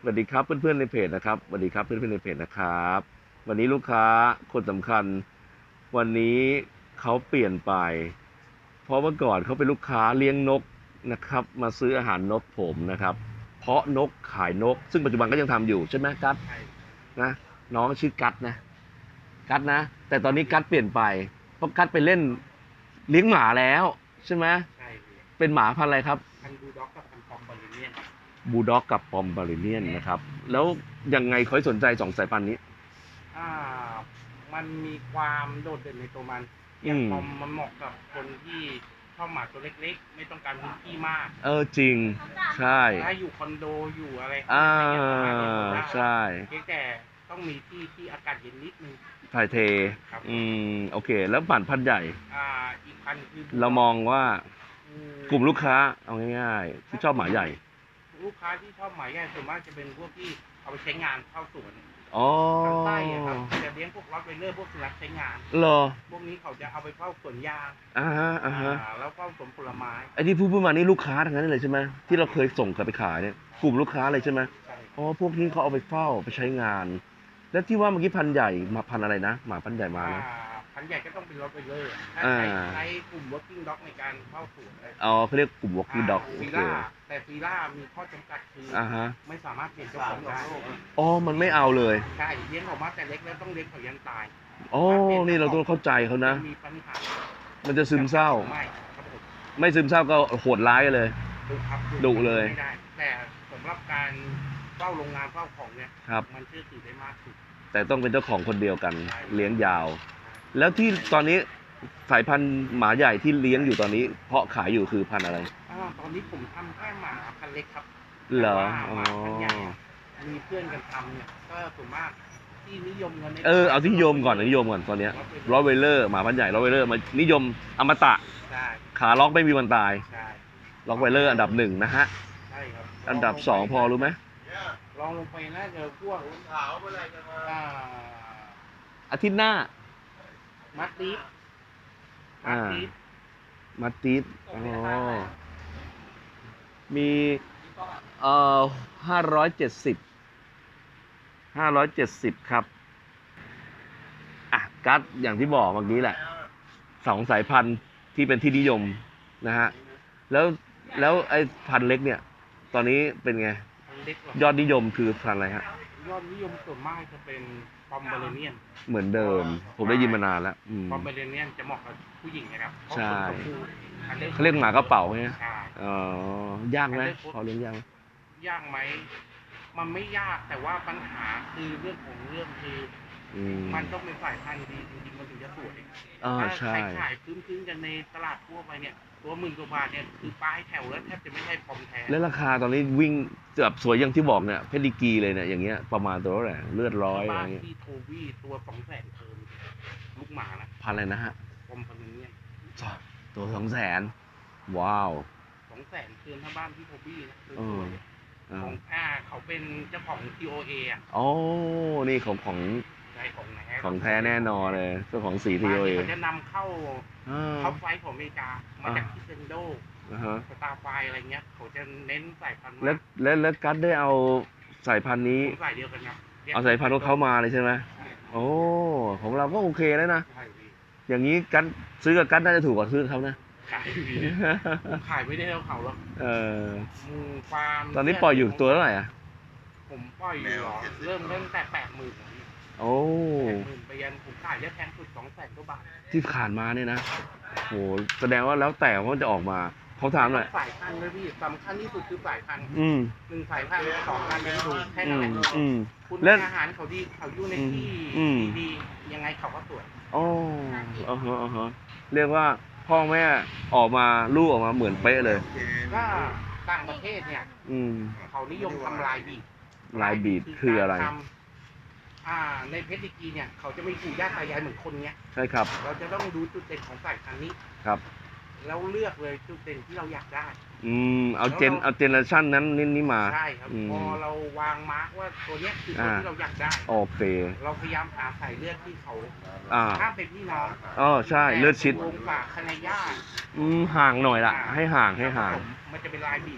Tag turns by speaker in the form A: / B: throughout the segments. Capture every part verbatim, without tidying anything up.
A: วัสดีครับเพื่อนๆในเพจนะครับสวัสดีครับเพื่อนๆในเพจนะครับวันนี้ลูกค้าคนสำคัญวันนี้เขาเปลี่ยนไปเพราะเมื่อก่อนเขาเป็นลูกค้าเลี้ยงนกนะครับมาซื้ออาหารนกผมนะครับเพาะนกขายนกซึ่งปัจจุบันก็ยังทำอยู่ใช่ไหมกัดนะน้องชื่อกัดนะกัดนะแต่ตอนนี้กัดเปลี่ยนไปเพราะกัดไปเล่นเลี้ยงหมาแล้วใช่ไหม
B: ใช่
A: เป็นหมาพันธุ์อะไรครับ
B: พันธุ์บูลด็อกกับพันธุ์ปอมเบอริเนียน
A: บูลด็อกกับปอมบาริเนียนนะครับแล้วยังไงเขาสนใจสองสายพันธุ์นี้
B: อ่ามันมีความโดดเด่นในตัวมันอย่างปอมมันเหมาะกับคนที่ชอบหมาตัวเล็กๆไม่ต้องการพื้นที่มาก
A: เออจริงใช่
B: ถ้าอยู่คอนโดอยู่อะไร
A: อ่าใช่
B: เพียงแต่ต้องมีที่ที่อากาศเย็นนิดนึง
A: ถ่ายเทอืมโอเคแล้วผ่านพันธุ์ใหญ่
B: อ่าอีกพันธุ์คือ
A: เรามองว่ากลุ่มลูกค้าเอาง่ายๆที่ชอบหมาใหญ่
B: ลูกค้าที่ชอบหมาใหญ่ส่วนมากจะเป็นพวกที่เอาไปใช้งานเข้าสวน
A: อ๋อ
B: ใช่ครับจะเลี้ยงพวกล็อตไวเลอร์พวกสุนัขใช้งาน
A: เหรอ
B: พวกนี้เขาจะเอาไปเฝ้าสวนยาง
A: อ่าฮะอ่าฮะ
B: แล้วเฝ้าสวนผลไม้
A: ไอ้ที่พูดพูดมานี่ลูกค้าทั้งนั้นเลยใช่ไหมที่เราเคยส่งกลับไปขายเนี่ยกลุ่มลูกค้าเลยใช่ไหมอ๋อพวกนี้เขาเอาไปเฝ้าไปใช้งานแล้วที่ว่าเมื่อกี้พันใหญ่มาพันอะไรนะหมาพันใหญ่มานะ
B: พันใหญ่ก็ต้องเป็นล็อตไวเลอร์ถ้าใช้ใช้กลุ่ม working dog ในการเฝ้าสวน
A: อ๋อเขาเรียกกลุ่ม working dog โอเค
B: แต่ฟีล่ามีข้อจำกัดคือไม่สามารถเปลี่ยนเจ้าของได้
A: อ๋อมันไม่เอาเลย
B: ใช่เลี้ยงออกมาแต่เล็กแล้วต้องเลี้ยงเขายันตาย
A: อ๋อนี่เราต้องเข้าใจเขานะ
B: มีปัญหา
A: มันจะซึมเศร้าไม่ไม่ซึมเศร้าก็โหดร้ายเลย
B: ดุครับ
A: ดุเลย
B: แต่สำหรับการเฝ้าโรงงานเฝ้าของเนี่ยมันเชื่อถือได้มากสุด
A: แต่ต้องเป็นเจ้าของคนเดียวกันเลี้ยงยาวแล้วที่ตอนนี้สายพันธุ์หมาใหญ่ที่เลี้ยงอยู่ตอนนี้เพาะขายอยู่คือพันธุ์อะไร
B: อ่าตอนนี้ผมทำแค่หมาพันธุ์เล็กครับ
A: เหรอ
B: อ๋อมีเพื่อนกันทำเนี่ยก็ส่วนมากที่นิยมกัน
A: เออเอาที่นิยมก่อนนิยมก่อนตอนนี้รอตไวเลอร์หมาพันธุ์ใหญ่รอตไวเลอร์มานิยมอมตะขาล็อกไม่มีวันตายล็อกไวเลอร์อันดับหนึ่งนะฮะ
B: ใช่ครับ
A: อันดับสองพอรู้ไหม
B: ลองลงไปน่าจะพวกขาวเมื่อไรจะมา
A: อาทิตย์หน้า
B: มัดตีฟ
A: มัดตีฟมัดตีฟอ๋อมีเอ่อห้าร้อยเจ็ดสิบห้าร้อยเจ็ดสิบครับอ่ะกัดอย่างที่บอกเมื่อกี้แหละสองสายพันธุ์ที่เป็นที่นิยมนะฮะแล้วแล้วไอ้พันธุ์เล็กเนี่ยตอนนี้เป็นไงยอดนิยมคือพันธุ์อะไรฮะ
B: ยอดนิยมส่วนมากจะเป็นปอมเบอร์เนียน
A: เหมือนเดิมผมได้ยินมานานแล้ว
B: ปอมเบอร์เนียนจะเหมาะกับผู้หญิงนะครับ
A: ใช่เขาเรียกหมากระเป๋าใช่ไหมอ๋อยากไหมพอเลี้ยงยากไหม
B: ยากไหมมันไม่ยากแต่ว่าปัญหาคือเรื่องของเรื่องคือมันต้องเป็นสายพันธุ์ดีจริงๆมันถึงจะสวยถ้าใช้ขายพื้นๆกันในตลาดทั่วไปเนี่ยตัวหมื่นกว่าบาทเนี่ยคือป้ายแถวแล้วแทบจะไม่ใช่ปอมแท้
A: แล้วราคาตอนนี้วิ่งแบบสวยอย่างที่บอกเนี่ยเพดิกีเลยเนี่ยอย่างเงี้ยประมาณตัวเท่าไหร่เลือดร้อยอะไรเงี้ย
B: ที่โทวี่ตัวสองแสนเทิมลูกหมานะ
A: พันอะไรนะฮะ
B: ปอมพันนี้
A: ตัวสองแสนว้าว
B: สองแสนเทิมถ้าบ้านที่โทวี่นะของอ่าเขาเป็นเจ้าของ ที โอ เอ อ่ะ
A: อ๋อนี่ของของของแท้แน่นอนเลยเจ้าของสี ที โอ เอ
B: เขาจะนำเข้าเข้าไฟของอเมริกามาจากที่เซนโดสตาร์ไฟอะไรเงี้ยเขาจะเน้นสายพันธุ์
A: แล้วแล้วแล้วกัดได้เอาสายพันธุ์นี้
B: สายเดียวกันครับ
A: เอาสายพันธุ์ของเขามาเลยใช่ไหมโอ้ของเราก็โอเคแล้วนะอย่างนี้กัดซื้อกับกัดน่าจะถูกกว่าซื้อเขานะ
B: ขายขายไม่ได้แล้วเขาหรอก
A: เออ
B: ฟาร์ม
A: ตอนนี้ปล่อยอยู่ตัวเท่าไหร่อ่ะ
B: ผมปล่อยอยู่เริ่มเริ่มแต่แปดหมื่น
A: โอ้
B: แปดหมื่นไปยันผมขายได้แพงสุดสองแสนกว่าบาท
A: ที่ผ่านมาเนี่ยนะโหแสดงว่าแล้วแต่ว่าจะออกมาเขาถามหน่อย
B: สายพันธุ์เลยพี่สำคัญที่สุดคือสายพันธุ์
A: ห
B: นึ่งสายพันธุ์สองพันธุ์เป็นถูกแค่นั้นแหละคุณอาหารเขาดีเขาอยู่ในที่ดียังไงเขาก็สวย
A: อ๋ออ๋ออ๋อเรียกว่าพ่อแม่ออกมาลูกออกมาเหมือนเป๊ะเลย
B: ก็ต่างประเทศเนี่ยเขานิยมทำลายบีด
A: ลายบีดคืออะไร
B: อ่าในเพชรดิกีเนี่ยเขาจะไม่ปู่ย่าตายายเหมือนคนเนี้ย
A: ใช่ครับ
B: เราจะต้องดูจุดเด่นของสายพันธุ์นี้
A: ครับ
B: แล้วเลือกเลยจุดเด่นที่เราอยากได้
A: อืมเอาเจนเอาเจเนอเรชั่นนั้นนี่นี่มา
B: ใช่ครับพอเราวางมาร์กว่าตัวเนี้ยคือตัวที่เราอยากได้
A: โอเค
B: เราพยายามหาสายเลือดที่เขา
A: อ่า
B: ถ้าเป็นพี่น้อง
A: อ๋อใช่เลือดชิด
B: วงฝากคณะย่า
A: อืมห่างหน่อยละให้ห่างให้ห่าง
B: มันจะเป็นลายบีครับ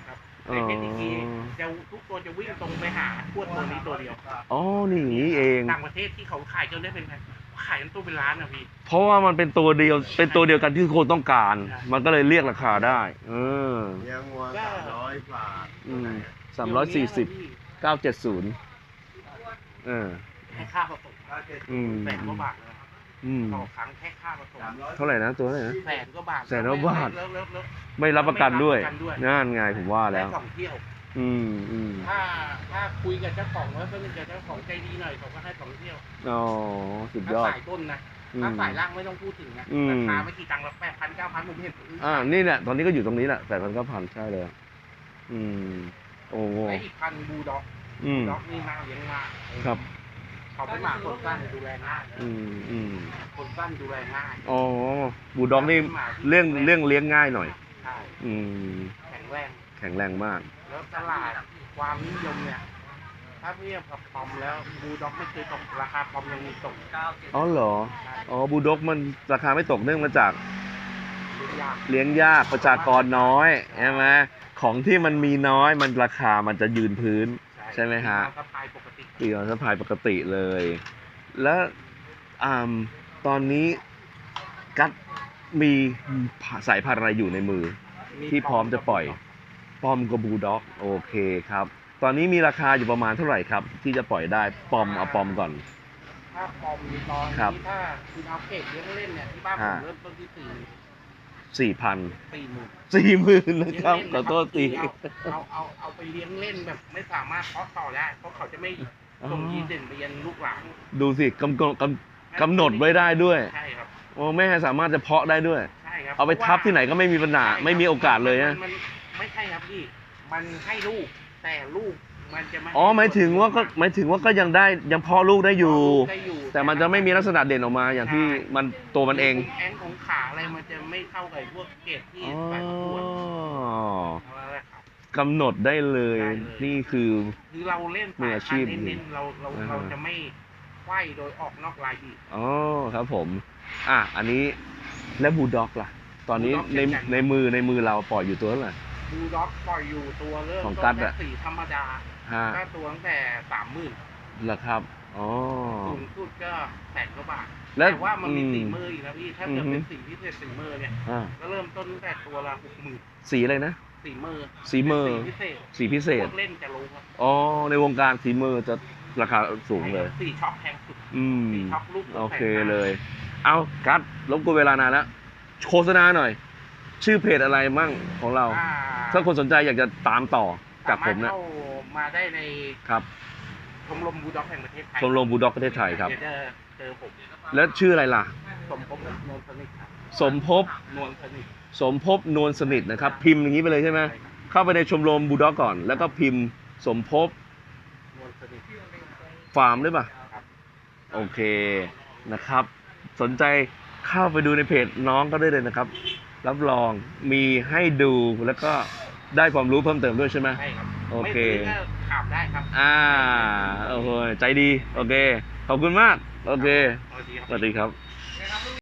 B: ในเพชรดีกรีจะทุกตัวจะวิ่งตรงไปหาทวดตัวนี้ตัวเดียว
A: อ๋อนี่อย่างนี้เอง
B: ต่างประเทศที่เขาขายจนได้เป็นแพงขายกันตัวเป็นล้านนะพี่
A: เพราะว่ามันเป็นตัวเดียวเป็นตัวเดียวกันที่คนต้องการ
B: ใช่
A: มันก็เลยเรียกราคาได้เออ
C: เลี้ยงวัวสามร้อยบาท
A: อืมสามร้อยสี่สิบเก้าเจ็ดศูนย์เออ
B: แค่ค่าผสม
A: อืม
B: แสนกว่าบาทนะ
A: อืม
B: ต่อครั้งแค่ค่าผสม
A: เท่าไหร่นะตัวเท่าไหร่นะ
B: แสนกว่าบาท
A: แสนกว่าบาท
B: แล้วแล้วแล้ว
A: ไม่รับประกันด้วย
B: ไม่รับประกันด้วย
A: นั่นไงผมว่า
B: ได้
A: แล้ว
B: สองเที่ยว
A: อืมอืม
B: ถ้าถ้าคุยกับเจ้าของแล้วก็เป็นเจ้าของใจดีหน่อยเขาก็ให้สองเที่ยว
A: อ๋อสุดย
B: ถ้า
A: อด
B: สายต้นนะ
A: อืม
B: ถ้าสายล่างไม่ต้องพูดถึงนะ
A: อืม
B: ราคาไม่กี่ตังค์ละแปดพันเก้าพันผมเห็น
A: อ่านี่แหละตอนนี้ก็อยู่ตรงนี้แหละแปดพันเก้าพันใช่เลยอืมโอ้โห
B: และอีกพันบูลด็อก
A: อืม
B: ด็อกนี่น่าเลี้ยงมาก
A: ครับ
B: เขาเป็นหมาคนสั้นดูแลง่าย
A: อืมอืม
B: คนสั้นดูแลง่าย
A: อ๋อบูลด็อกนี่เรื่องเรื่องเลี้ยงง่ายหน่อย
B: ใช่
A: อืม
B: แข็งแรง
A: แข็งแรงมาก
B: แล้วตลาดความนิยมเนี่ย ถ้าเทียบกับปอมแล้วบูลด็อกไม่เคยตกราคาปอมยังมีตก
A: อ๋อเหรอ อ๋อบูลด็อกมันราคาไม่ตกเนื่องมาจาก
B: เลี้ยงยาก
A: เลี้ยงยากประชากรน้อยใช่ไหมของที่มันมีน้อยมันราคามันจะยืนพื้น ใช่ไหมฮะ
B: สะพายปกติ
A: ปีออนสะพายปกติเลย แล้วอ่าตอนนี้กัดมีสายพันธุ์อะไรอยู่ในมือ ที่พร้อมจะปล่อย ปอมกับบูลด็อกโอเคครับ ตอนนี้มีราคาอยู่ประมาณเท่าไหร่ครับ ที่จะปล่อยได้ปอมเอาปอมก่อน
B: ถ้าปอมมีตอน
A: ครับ
B: นี้ถ้าคุณเอาเก็บเลี้ยงเล่นเนี่ยที่บ้านผ
A: อ่า
B: มเริ่มต้นที่สี่
A: สี่พัน
B: สี่หมื่น
A: สี่หมื่นนะ
B: เลี้ยง
A: ครับ
B: เล่น
A: ขอโทษที
B: เอาเอาเอาเอาไปเลี้ยงเล่นแบบไม่สามารถเพาะต่อได้ เพราะเขาจะไม่ส่งยีนเด่นไปยันลูกหลาน
A: ดูสิกำกำกำกำหนดไว้ได้ด้วย
B: ใช่ครับ
A: โอ้แม่สามารถจะเพาะได้ด้วย
B: ใช่ครับ
A: เอาไปทับที่ไหนก็ไม่มีปัญหา
B: ใช่ครับ
A: ไม่มีโอกาสเลยนะ
B: มันมันไม่ใช่ครับพี่ มันให้ลูกแต่ลูกมันจะไม่
A: อ๋อหมายถึงว่าก็หมายถึงว่าก็ยังได้ยังเพาะลูกได้อยู่
B: ได้อยู่
A: แต่มันจะไม่มีลักษณะเด่นออกมาอย่างที่มันตัวมันเอง
B: แอนของขาอะไรมันจะไม่เข้ากับพวกเกรดที่
A: อ๋อ
B: ใส่ประกวดเอาละไรครับ
A: กำหนดได้เลย
B: ได้เลย
A: นี่คือ
B: คือเราเล่น
A: มือ
B: สาย
A: อาชี
B: พัน
A: พ
B: ธุ์เน้นๆเราเรา
A: อ่า
B: เราจะไม่ไขว้โดยออกนอกลายอีก
A: อ๋อครับผม อ่ะอันนี้แล้วบูลด็อกล่ะ ตอนนี้
B: Bulldog
A: ใน
B: เช่นกัน
A: ในมือในมือเราปล่อยอยู่ตัวเท่าไหร่
B: บูลด็อกปล่อยอยู่ตัวเริ่ม
A: ของ
B: ต้
A: กั
B: น
A: ด
B: แค่
A: อะ
B: สีธรรมดา
A: ฮะ
B: ก็ตัวตั้งแต่สามหมื่น
A: เหรอครับอ๋อ
B: สูงสุดก็แสนกว่าบาท
A: แล้ว
B: แต่ว่ามันมี
A: อืม
B: สีมืออีกนะพี่ถ้าเกิด
A: อือฮึ
B: เป็นสีพิเศษสีมือเนี่ย
A: อ่า
B: ก็เริ่มต้นตั้งแต่ตัวละหกหมื่น
A: สีอะไรนะ
B: สีมือ
A: สีมือ
B: เป็นสีพิเศษ
A: สีพิเศ
B: พ
A: ษ
B: วกเล่นจะรู้ครับ
A: อ๋อ ในวงการสีมือจะราคาสูงเลย
B: สีช็อปแพงสุด
A: อืม
B: สีช็อปลูก
A: โอเค
B: แพงมาก
A: เลย เอากัดรบกวนเวลานานแล้ว โฆษณาหน่อย ชื่อเพจอะไรมั่งของเรา
B: อ่า
A: ถ้าคนสนใจอยากจะตามต่อจากผม
B: สาารถ
A: นะ
B: เข้ามาได้ใน
A: ครับ
B: ชมรมบูลด็อกแห่งประเทศไทย
A: ชมรมบูลด็อกประเทศไทยครับ
B: เดี๋ยวจะเจอผม
A: แล้วชื่ออะไรล่ะ
B: สมภพนวลสนิทครับ
A: สมภพ
B: นวลสนิท
A: สมภพนวลสนิทนะครับ พิมพ์อย่างนี้ไปเลยใช่ไหม
B: ใช่ครับ
A: เข้าไปในชมรมบูลด็อกก่อน แล้วก็พิมพ์สมภพ
B: นวลสนิท
A: ฟาร์มได้ป่ะ
B: ครับ
A: โอเคนะครับ สนใจเข้าไปดูในเพจน้องก็ได้เลยนะครับ รับรองมีให้ดูแล้วก็ได้ความรู้เพิ่มเติมด้วยใช่ไหม
B: ใช่ครับ
A: โอเค
B: ไม่ซื้อก็ถามได้ครับ
A: อ่าโอ้โหใจดี โอเค ขอบคุณมาก โอเค
B: สวัสดีครับ
A: สวัสดีครับ